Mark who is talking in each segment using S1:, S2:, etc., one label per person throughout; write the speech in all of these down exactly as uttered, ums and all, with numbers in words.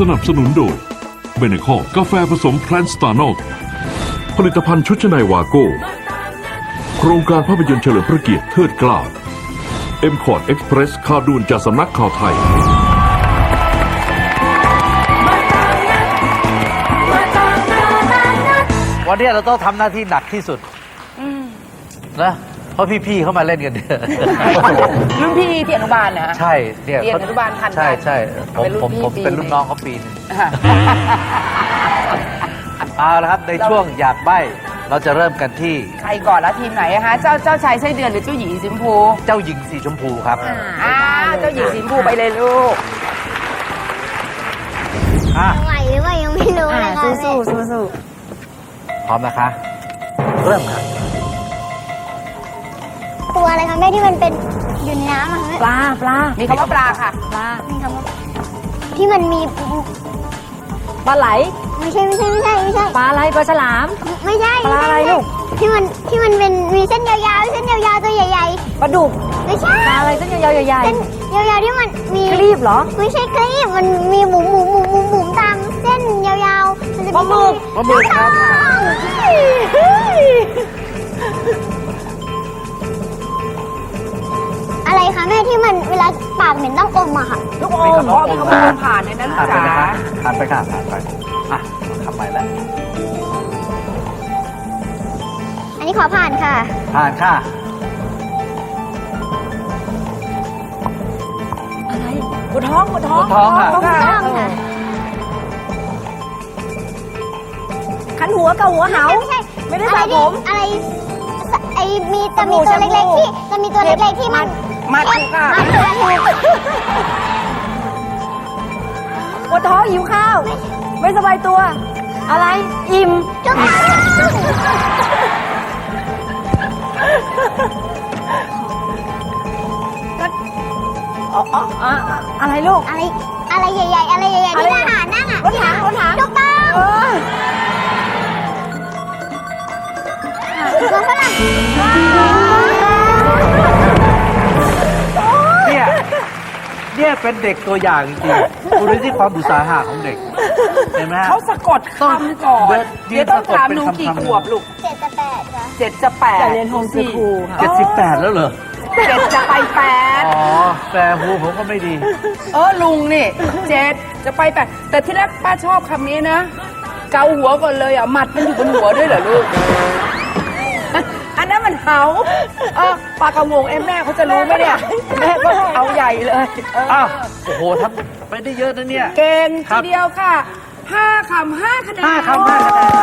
S1: นับสนุนโดยเบเนคอกาแฟผสมแพลนสตาร์นอลผลิตภัณฑ์ชุดชั้นในวาโก้โครงการภาพยนตร์เฉลิมพระเกียรติเทิดเกล้าเอ็มคอร์ดเอ็กซ์เพรสข่าวด่วนจากสำนักข่าวไทย
S2: วันนี้เราต้องทำหน้าที่หนักที่สุดนะเพราะพี่ๆเขามาเล่นกันเนี่ย
S3: รุ่นพี่ที่อนุบาลนะ
S2: ใช่เนี่ย
S3: เรียนอนุบาลทันกัน
S2: ใช่ใช่ผม
S3: เป็นรุ่น
S2: ผม
S3: พี่
S2: ผม
S3: ปี
S2: เป็น
S3: หนึ่ง
S2: รุ่นน้องเขาปีหนึงเอาละครับในช่วงอยากใบ้เราจะเริ่มกันที่
S3: ใครก่อนแล้วทีมไหนอะฮะเจ้าเจ้าชายไส้เดือนหรือเจ้าหญิงสีชมพู
S2: เจ้าหญิงสีชมพูครับ
S3: อ่าเจ้าหญิงสีชมพูไปเลยลูก
S2: อ่ะ
S4: ไหวหรือว่ายังไม่รู้เลยค่ะ
S3: สู้สู้สู้สู้
S2: พร้อมนะคะ เริ่มครับ
S4: ตัวอะไรคะแม่ที่มันเป็นอยู่ในน้ำอะ
S3: ปลาปลามีคำว่าปลาค่ะปลา
S4: มีคำว่าที่มันมี
S5: ปลาไหล
S4: ไม่ใช่ไม่ใช่ไม่ใช่ไม่ใช่
S5: ปลาอะไรปลาฉลาม
S4: ไม่ใช่
S5: ปลาอะไรลูก
S4: ที่มันที่มันเป็นมีเส้นยาวๆเส้นยาวๆตัวใหญ่
S5: ปลาดุก
S4: ๆไม่ใช่
S5: ปลาอะไรเส้นยาวๆใหญ่
S4: เส้นยาวๆที่มันมี
S5: ๆครีบเหรอ
S4: ไม่ใช่ครีบมันมีหมุนหมุนหมุนหมุนหมุนตามเส้นยาวๆมันจะ
S5: ปลาหมึก
S2: ปลาหมึกครับ
S4: อะไรคะแม่ที่มันเวลาปากเหม็นต้องอมอะค่ะ
S3: ลูกอมพ่อมีคำว่าผ่านในนั้น
S2: ผ่านไป
S3: จ๋า
S2: นะคะผ่านไปค่ะผ่านไปอ่ะทำไมแล้ว
S4: อันนี้ขอผ่านค่ะ
S2: ผ่านค่ะ
S5: อะไรปวดท้องปวดท้อง
S2: ปวดท้องค่ะ
S4: ถูกต้องค่ะ
S5: ขันหัวเกาหัวเหา
S4: ไม่ใช่
S5: ไม่ได้
S4: อะไร
S5: สระผ
S4: ที่
S5: ม
S4: อะไรไอมีจะมีตัวเล็กๆที่จะมีตัวเล็กๆที่มัน
S3: มาถูกค่ะ
S4: มันถูกถูก
S5: ปวดท้องหิวข้าว ไม่สบายตัว อะไรอิ่ม
S4: ถูกต้อง
S5: อ๋ออ๋ออ๋ออะไรลูก
S4: อะไรอะไรใหญ่ๆอะไรใหญ่ๆ
S5: อะไร
S4: ที่ทหารนั่งอ่ะ
S5: รถถังรถถัง
S4: ถูกต้อง
S5: เออ
S4: หัวฝรั่ง
S2: เนี่ยเนี่ยเป็นเด็กตัวอย่างจริงๆดูที่ความอุตสาหะของเด็กเห็นไหมฮะ
S3: เขาสะกดคำก่อน
S2: เดี๋ยว
S3: เดี๋ยวต้องถามหนูกี่
S2: เป็นคำๆ
S3: ขวบลูก
S4: เจ็ดจะแปดค่ะ
S3: เจ็ดจะแปด
S5: แต่เรียนโฮมสคูลค่ะ
S2: เจ็ดสิบแปดแล้วเหรอ
S3: เจ็ดจะไปแปด
S2: อ๋อแต่หูผมก็ไม่ดี
S3: เออลุงนี่เจ็ดจะไปแปดแต่ที่แรกป้าชอบคำนี้นะ เกาหัวก่อนเลยอ่ะหมัดมันอยู่บนหัวด้วยเหรอลูก อันนั้นมันเหาเออปลากระงงเอ็มแม่เขาจะรู้ไหมเนี่ยแม่ก็เอาใหญ่เลยเออ
S2: อ้าว โอ้โหทำไปได้เยอะนะเนี่ย
S3: เก่ง
S2: ครั
S3: ที
S2: บ
S3: เดียวค่ะห้าคำห้าคะแนน
S2: ห้าคำห้าคะแนน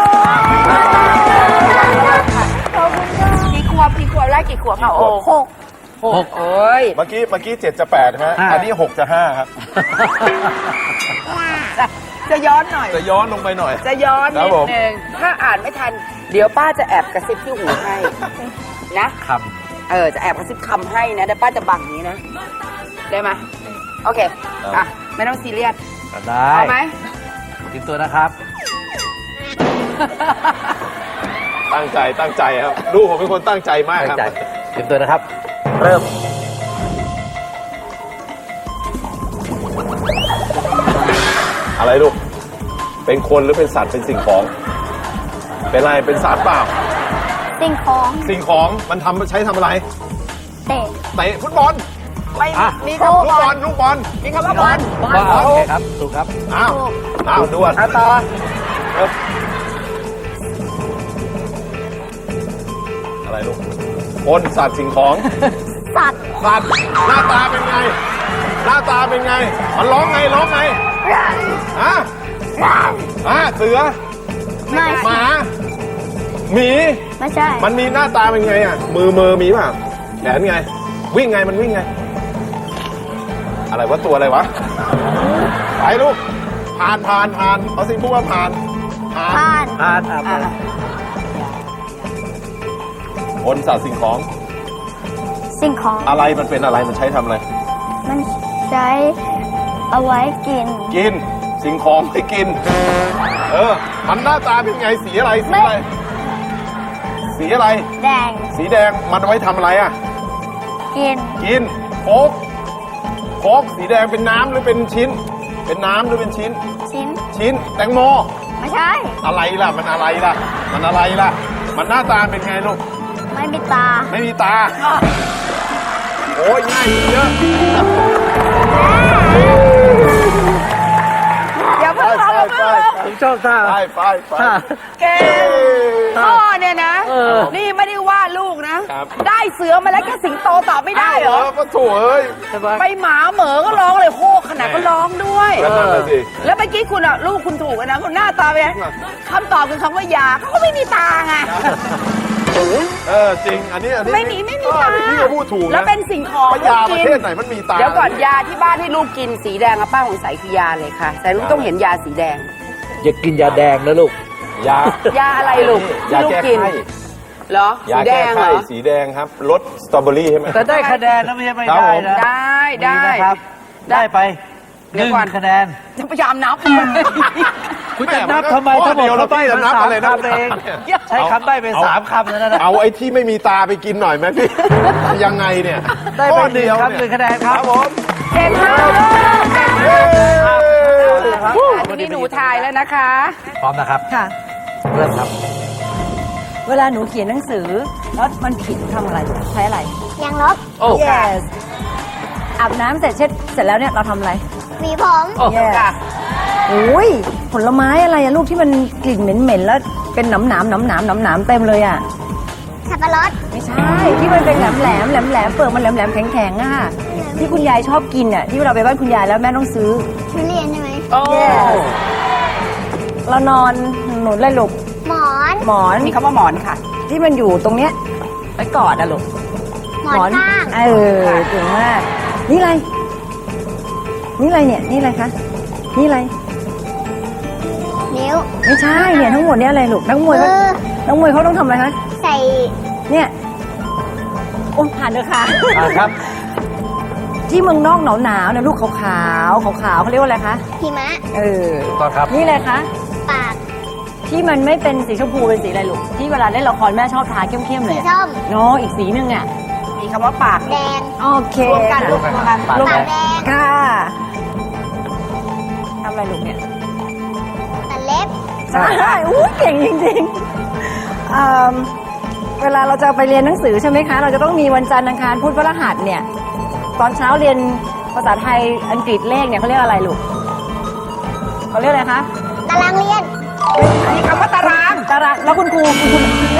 S3: กี่ขวบกี่ขวบแรกกี่ขวบค่ะโอ้หกหกเอ้ย
S6: เมื่อกี้เมื่อกี้เจ็ดจะแปดใช่ไหม
S2: อ่า
S6: อันนี้หกจะห้าครับ
S3: จะจะย้อนหน่อย
S6: จะย้อนลงไปหน่อย
S3: จะย้อน
S6: ครั
S3: นิ
S6: บ
S3: ด
S6: ผม
S3: นึงถ้าอ่านไม่ทัน เดี๋ยวป้าจะแอบกระซิบที่หูให้ นะ
S2: ครับ
S3: เออ จะแอบกระซิบคำให้นะเดี๋ยวป้าจะบังนี้นะ ได้ไหมโอเค อ่ะ ไม่ต้องซีเรียส
S2: ได้
S3: เอาไหม
S2: เตรียมตัวนะครับ
S6: ตั้งใจตั้งใจครับลูกผมเป็นคนตั้งใจมาก
S2: ตั้
S6: ค
S2: ง
S6: รับ
S2: ใจเตรียมตัวนะครับ เริ่ม
S6: อะไรลูก เป็นคนหรือเป็นสัตว์เป็นสิ่งของ เป็นอะไรเป็นสัตว์เปล่า
S4: สิ่งของ
S6: สิ่งของมันทำใช้ทำอะไร
S4: เตะ
S6: เตะฟุตบอล
S3: ไม่
S2: อ่ะ
S3: มี
S6: ลูก
S3: คำว่า
S6: บอลลูกบอล
S3: มีคำว่าบอล
S2: ก็โอเคครับ ถูกครับ
S6: อ้าวอ้าวด่วน
S3: เอาต่อ
S6: เริ่มอะไรลูกคนสัตว์สิ่งของ
S4: สัตว์
S6: สัตว์หน้าตาเป็นไง หน้าตาเป็นไง มันร้องไงร้องไงฮะฮะเสือ
S4: ไม่
S6: หมา หมี
S4: ไม่ใช่
S6: มันมีหน้าตาเป็นไงอ่ะ มือมือมีป่ะแขนไง วิ่งไงมันวิ่งไง อะไรวะตัวอะไรวะ ไปลูก ผ่านผ่านผ่านเอาสิพูดว่าผ่าน ผ่าน
S4: ผ่าน
S2: อ่านอ่าน
S3: อ่ะ
S6: คนสัตว์สิ่งของ
S4: สิ่งของ
S6: อะไรมันเป็นอะไรมันใช้ทำอะไร
S4: มันใช้เอาไว้กิน
S6: กิน สิ่งของไม่กิน เออ มันหน้าตาเป็นไง สีอะไร สีอะไร สีอะไร
S4: แดง
S6: สีแดง มันเอาไว้ทำอะไรอ่ะ
S4: กิน
S6: กิน โค้กโค้กสีแดงเป็นน้ำหรือเป็นชิ้น
S4: เ
S6: เป็นน้ำหรือเป็นชิ้น
S4: ชิ้น
S6: ชิ้นแตงโม
S4: ไม่ใช่
S6: อะไรล่ะ มันอะไรล่ะ มันอะไรล่ะ มันหน้าตาเป็นไงลูก
S4: ไม่มีตา
S6: ไม่มีตา โอ้ยง่ายขึ้นเยอะ
S3: อย่า
S6: ไป
S3: เพิ่ง
S6: ไป
S3: ร้อง
S6: ไป
S2: ผมชอบท่า
S6: ไปไปไป
S2: ท่า
S3: เก่งพ่อเนี่ยนะ
S2: เออ
S3: นี่ไม่ได้ว่าลูกนะ
S6: ครับ
S3: ได้เสือมาแล้วแค่สิงโตตอบไม่ได้เหรอ
S6: ก็ถูกเอ้ย
S2: ใช่ไหม
S3: ไปหมาเหมอก็ร้องเลยโฮกขนาดก็ร้องด้วย
S6: ก็นั่นน่ะสิ
S3: แล้วเมื่อกี้คุณอ่ะลูกคุณถูกอะนะคุณหน้าตาเป็นไงคำตอบคือคำว่ายาเขาก็ไม่มีตาไง
S6: เออจริง อันนี้อันนี้
S3: ไม่มีไม่มี
S6: เออ
S3: ตา
S6: พี่ก็พูดถูกนะ
S3: แล้วเป็นสิ่งของ
S6: ว่ายา
S3: ลู
S6: ป
S3: ก
S6: ระ
S3: กิ
S6: เทศไหนมันมีตา
S3: เดี๋ยวก่อนยาที่บ้านให้ลูกกินสีแดงอะป้าของใสคือยาเลยค่ะ แต่ลูกต้องเห็นยาสีแดง
S2: อย่ากินยาแดงนะลูก
S6: ยาย
S3: าอะไรลูก
S6: ยา
S3: ที่ลูก
S6: แก้
S3: กิน
S6: ไข้
S3: เหรอสี
S6: ยา
S3: แด
S6: แก้
S3: งเหร
S6: ไข้
S3: อ
S6: สีแดงครับรสสตรอเบอรี่ใช่ไหม
S2: แต่ได้คะแนนนะไม่ใช่ไม่
S6: ครับ
S2: ได้
S6: ผม
S2: นะ
S3: ได้ได้
S2: ดีนะครับ ได้ไปห
S3: เดี๋ยว
S2: นึ่ง
S3: ก่อน
S2: คะแนน
S3: จะพยายามนับ
S2: คุณจะนับทำไม
S6: ข้อ
S2: ทั้งหมด
S6: เดียว
S2: เขาใบ้
S6: จะ
S2: มา
S6: นับ
S2: สาม
S6: อะไรนะ
S2: คำเอง ใช้คำใบ้ไปสามคำแล้วนะ
S6: เอาไอ้ที่ไม่มีตาไปกินหน่อยไหมพี่ ยังไงเนี่ย
S2: ได้ไป
S6: ข้อ
S2: หนึ่ง
S6: เดียว
S2: ครับห
S6: เนี่
S2: นึ่
S6: ย
S2: งคะแนนค
S6: ค
S2: รั
S6: รั
S2: บบ
S6: ผม
S3: เก่งมาก
S6: เย้
S3: ทีนี้หนูทายแล้วนะคะ
S2: พร้อมนะครับ
S5: ค่ะ
S2: เริ่มครับ
S5: เวลาหนูเขียนหนังสือ แล้วมันผิดทำอะไรใช้อะไร
S4: ยางลบ
S2: โอ้
S5: yes อาบน้ำเสร็จเช็ดเสร็จแล้วเนี่ยเราทำอะไร
S4: หวีผม
S2: โอ้
S5: yes
S3: ค่ะ
S5: โอ้ยผลไม้อะไรอะลูกที่มันกลิ่นเหม็นๆแล้วเป็นหนำหนามหนำหนามหนำหนามเต็มเลยอะ
S4: สับปะรด
S5: ไม่ใช่ ที่มันเป็นแหลมแหลมแหลมแหลมเปลือกมันแหลมแหลมแข็งแข็งๆอะที่คุณยายชอบกินอะที่เราไปบ้านคุณยายแล้วแม่ต้องซื้อ
S4: ทุเรียนใช่ไหม
S3: โอ้
S5: yes เรานอนหนุนเลยลูก
S4: หมอน
S5: หมอน
S3: มีคำว่าหมอนค่ะ
S5: ที่มันอยู่ตรงเนี้ยไว้กอดอะลูก
S4: หมอนข้าง
S5: เออเก่งมาก นี่อะไร นี่อะไรเนี่ย นี่อะไรคะ นี่อะไร
S4: นิ้ว
S5: ไม่ใช่เนี่ยทั้งหมดเนี่ยอะไรลูกนักมวยเขา
S4: เออ
S5: นักมวยเขาต้องทำอะไรคะ
S4: ใส่
S5: เนี่ยโอ้ผ่านเลยค่ะ
S2: อ่าครับ
S5: ที่เมืองนอกหนาวหนาวๆเนี่ยลูกขาวขาวขาวขาวๆเขาเรียกว่าอะไรคะ
S4: หิมะ
S5: เออ
S2: ถูกต้องครับ
S5: นี่อะไรคะ
S4: ปาก
S5: ที่มันไม่เป็นสีชมพูเป็นสีอะไรลูก ที่เวลาเล่นละครแม่ชอบทาเข้มๆเล
S4: สี
S5: ย
S4: ส้ม
S5: เนาะอีกสีหนึ่งอ่ะ
S3: มีคำว่าปาก
S4: แดง
S5: โอเค
S3: รวมกันรวมกัน
S2: ปาก
S5: รวม
S2: แด
S5: กัน
S2: ง
S4: แดง
S5: ค่ะทำอะไรลูกเนี่ย
S4: ตัดเล็บ
S5: ใช่อู้เก่งจริงๆอืมเวลาเราจะไปเรียนหนังสือใช่ไหมคะ เราจะต้องมีวันจันทร์อังคารพุธพฤหัสเนี่ย ตอนเช้าเรียนภาษาไทยอังกฤษเลขเนี่ยเขาเรียกอะไรลูกเขาเรียกอะไรคะ
S4: ตารางเรียน
S3: มีคำว่าตาราง
S5: ตารางแล้วคุณครูคุณครู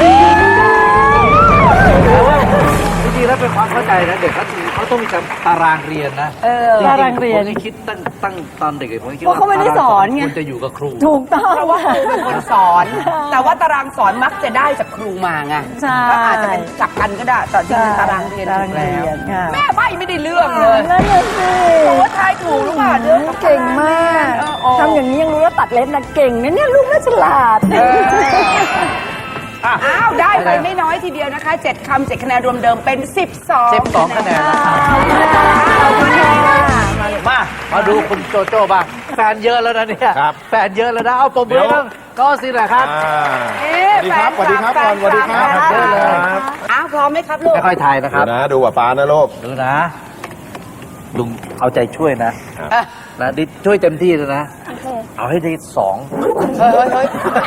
S2: แต่ว่าจริงๆแล้วเป็นความเข้าใจนะเด็กเขาเขาต้องมีการตารางเรียนนะ
S5: เออ
S2: จงๆ
S5: ตารางเรียน
S2: ผมยังคิดตั้งตั้งตอนเด็กๆผมยังคิด
S5: เพราะเขาไม่ได้สอนไง
S2: ควรจะอยู่กับครู
S5: ถูกต้อง
S3: เพราะว่าครูเป็นคนสอน แต่ว่าตารางสอนมักจะได้จากครูมาไง
S5: ใช่
S3: ก็อาจจะเป็นกลับกันก็ได้แต่จริงๆตารางเรียน
S5: ตา
S3: ถู
S5: ราง
S3: ก
S5: เรี
S3: แล้ว
S5: ยนค่ะ
S3: แม่ใบไม่ได้เรื่องเลย
S5: นั่นน่ะสิ
S3: โอ้ทายถูกหรือเปล่าเนี่ย
S5: เก่งมาก
S3: เออโอ้
S5: ทำอย่างนี้ยังรู้ว่าตัดเล็บนะเก่งนะเนี่ยลูกน่าฉลาด
S2: อ่ะ
S3: อ้าวได้ไปไม่น้อยทีเดียวนะคะเจ็ดคำเจ็ดคะแนนรวมเดิมเป็นสิบสอง
S2: สิบสองคะแนนนะครับ
S5: ขอบคุณค่ะขอบคุณค่ะ
S2: มา มาดูคุณโจโจ้บ้าง แฟนเยอะแล้วนะเนี่ย
S6: ครับ
S2: แฟนเยอะแล้วนะ เอาปมมือให้บ้างก็สิแหละครับ
S6: อ่า
S3: เอ๊ะ
S6: สวัสดีครับ
S3: แฟน
S6: สวัสดีครับ
S3: แฟน
S6: ก่อนสวัสดีครับ
S3: เยอะเลย
S6: ครับ
S3: อ้าวพร้อมไหมครับลูก
S2: ค่อยๆทายนะค
S6: ดู
S2: รับ
S6: นะดูกับป้านะลูก
S2: ดูนะ ลุงเอาใจช่วยนะ
S3: อ่ะ
S2: นะดิช่วยเต็มที่เลยนะ เอาให้ได้สอง
S3: เฮ้ยเฮ้ย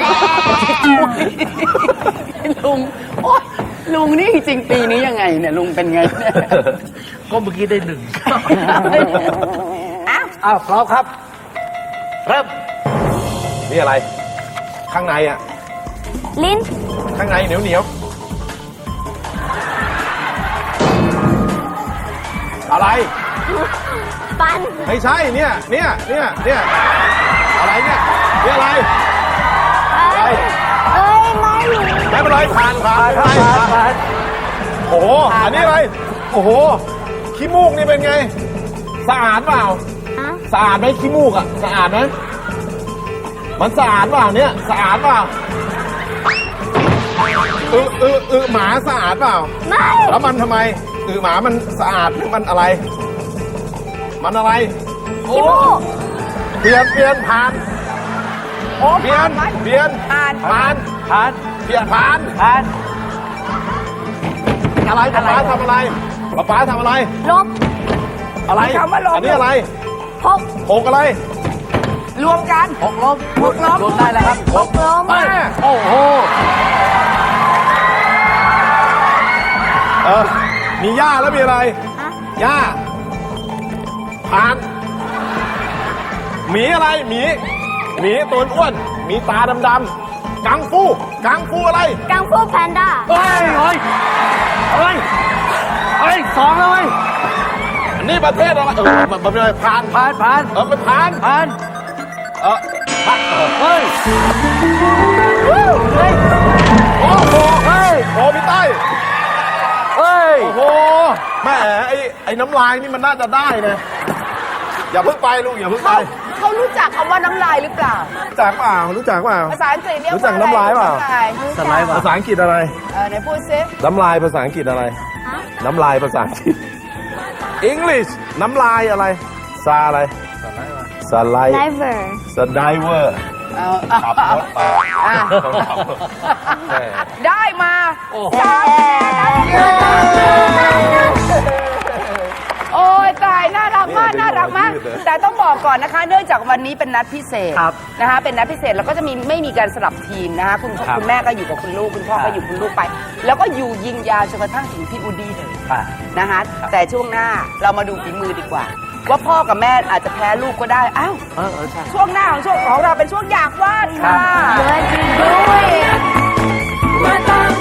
S3: เฮ้ยลุงโอ๊ยลุงนี่จริงๆปีนี้ยังไงเนี่ยลุงเป็นไงเนี่ย
S2: ก็เมื่อกี้ได้หนึ่ง
S3: อ้าว
S2: อ้าวพร้อมครับ เริ่ม
S6: นี่อะไร ข้างในอ่ะ
S4: ลิ้น
S6: ข้างในเหนียวเหนียวอะไร
S4: ฟัน
S6: ไม่ใช่เนี่ย เนี่ย เนี่ย เนี่ย อะไรเนี่ยนี่อะไร อะไร
S4: เอ้ย ไม่รู้
S6: ไม่เป็นไรผ่านผ่านผ่านผ่านผ่านโอ้โห อันนี้อะไร โอ้โห ขี้มูกนี่เป็นไง สะอาดเปล่า
S4: อ่ะ
S6: สะอาดไหมขี้มูกอ่ะ สะอาดไหมมันสะอาดเปล่าเนี่ย สะอาดเปล่าอืออืออือหมาสะอาดเปล่า
S4: ไม่
S6: แล้วมันทำไมอือหมามันสะอาดหรือมันอะไร มันอะไร
S4: ขี้มูก
S6: เปลี่ยนเปลี่ยนผ่าน
S3: โอ้
S6: เปลี่ยน
S3: ผ่าน
S6: เปลี่ยน
S3: ผ่าน
S6: ผ่าน
S2: ผ่าน
S6: เปลี่ยนผ่าน
S2: ผ่าน
S6: อะไรป๊าป๊าทำอะไรป๊าป๊าทำอะไร
S4: ลบ
S6: อะไร
S3: มีคำว่าลบ
S6: อันนี้อะไร
S4: พก
S6: หกอะไร
S3: รวมกัน
S2: หกล้ม
S3: หกล้ม
S2: รวมได้แล้วครับ
S3: หกล้ม
S2: ไปโอ้โห
S6: เออ มีหญ้าแล้วมีอะไรหญ้าผ่านหมีอะไรหมีหมีตัวอ้วนหมีตาดำๆกังฟูกังฟูอะไร
S4: กังฟูแพนด้า
S2: เฮ้ยเฮ้ยเฮ้ยเฮ้ยสองเลย
S6: อันนี้ประเทศอะไรเออมันมันเป็นอะไรผ่าน
S2: ผ่านผ่าน
S6: เออไปผ่าน
S2: ผ่าน
S6: เออผ่านเออ
S2: เฮ้ย
S6: โอ้โห
S2: เฮ้ย
S6: โอ้พี่ใต้
S2: เฮ้ย
S6: โอ้โหแม่ไอ้ไอ้น้ำลายนี่มันน่าจะได้นะอย่าเพิ่งไปลูกอย่าเพิ่งไป
S3: เขาเขารู้จักคำว่าน้ำลายหรือเปล่า
S6: รู้จักเปล่ารู้จักเปล่า
S3: ภาษาอังกฤษเรียก
S6: รู้
S3: ว่า
S6: จักน้ำลายเปล่า
S3: น้ำลาย
S2: สไลด์ว่ะ
S6: ภาษาอังกฤษอะไร
S3: เออไหนพูดซิ
S6: น้ำลายภาษาอังกฤษอะไร น้ำลายภาษาอังกฤษ English น้ำลายอะไร ซาอะไรสไลด์
S4: never
S6: สไดเวอร์
S3: เอาเอา
S6: ขับ
S3: เอา
S6: รถไป
S3: อ่ะ
S6: ต้องขับรถแม่
S3: ได้มา
S2: โอ้โห
S3: สามโอ้ยตายน่ารักมากน่ารักมาก แต่ต้องบอกก่อนนะคะ เนื่องจากวันนี้เป็นนัดพิเศษ
S2: ครับ
S3: นะคะเป็นนัดพิเศษแล้วก็จะมีไม่มีการสลับทีมนะคะคุณ
S2: ครับ
S3: คุณแม่ก็อยู่กับคุณลูกคุณพ่อ
S2: ครั
S3: ก็
S2: บ
S3: อยู่คุณลูกไป แล้วก็อยู่ยิงยาวจนกระทั่งถึงพี่อูดี้เลย
S2: อ่ะ
S3: นะคะแต่ช่วงหน้าเรามาดูฝีมือดีกว่า ว่าพ่อกับแม่อาจจะแพ้ลูกก็ได้อ้าว
S2: เออเออใช่
S3: ช่วงหน้าของช่วงของเราเป็นช่วงอยากวาดค่ะ
S4: What you doing
S3: มาตาม